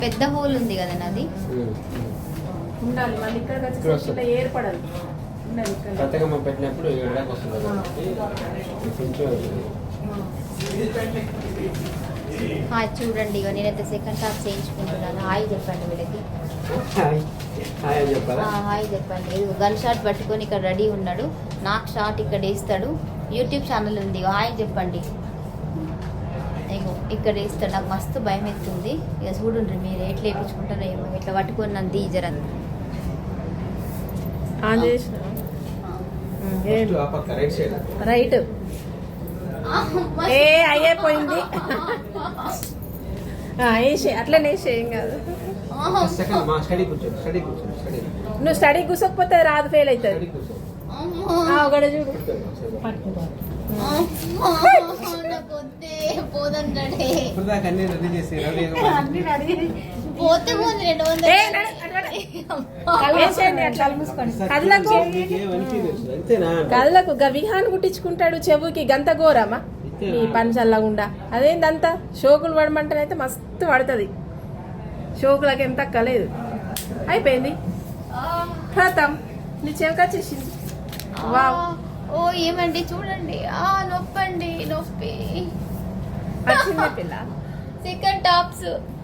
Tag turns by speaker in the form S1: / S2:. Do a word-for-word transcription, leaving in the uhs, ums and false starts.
S1: పెద్ద హోల్ ఉంది కదా నాది
S2: ఉండాలి మళ్ళీ ఇక్కడ ఏర్పడాలి
S3: కొత్తగా పెట్టినప్పుడు ఏడాకి వస్తుంది
S1: హాయ్ చూడండి ఇక నేనైతే సెకండ్ టాప్ చేయించుకుంటున్నాను. హాయ్ చెప్పండి వీళ్ళకి. హాయ్ చెప్పండి. గన్ షాట్ పట్టుకొని ఇక్కడ రెడీ ఉన్నాడు. నాకు షాట్ ఇక్కడ వేస్తాడు. యూట్యూబ్ ఛానల్ ఉంది. హాయ్ చెప్పండి. ఇగో ఇక్కడ వేస్తాడు. నాకు మస్తు భయం ఎత్తుంది. ఇక చూడండి మీరు ఎట్లా వేయించుకుంటారో ఏమో. ఇట్లా పట్టుకొని నన్ను తీజర
S2: రైట్ ఏ అయ్యేపోయింది. అట్లనే వేసేయం కాదు. నువ్వు స్టడీ కూర్చోకపోతే రాదు, ఫెయిల్ అవుతుంది. ఒకడ చూడు కళ్ళకు గవిహాన్ కుట్టించుకుంటాడు. చెవుకి గంత ఘోరమా ఈ పని చల్లగుండా. అదేందంతా షోకులు పడమంటేనైతే మస్తు పడుతుంది. షోకులకి ఏం తక్కలేదు. అయిపోయింది ఖతం. నీ చెవికొచ్చేసింది. వావ్.
S1: ఓ ఏమండి చూడండి. ఆ నొప్పండి నొప్పి.
S2: వచ్చింది పిల్ల.
S1: Second tops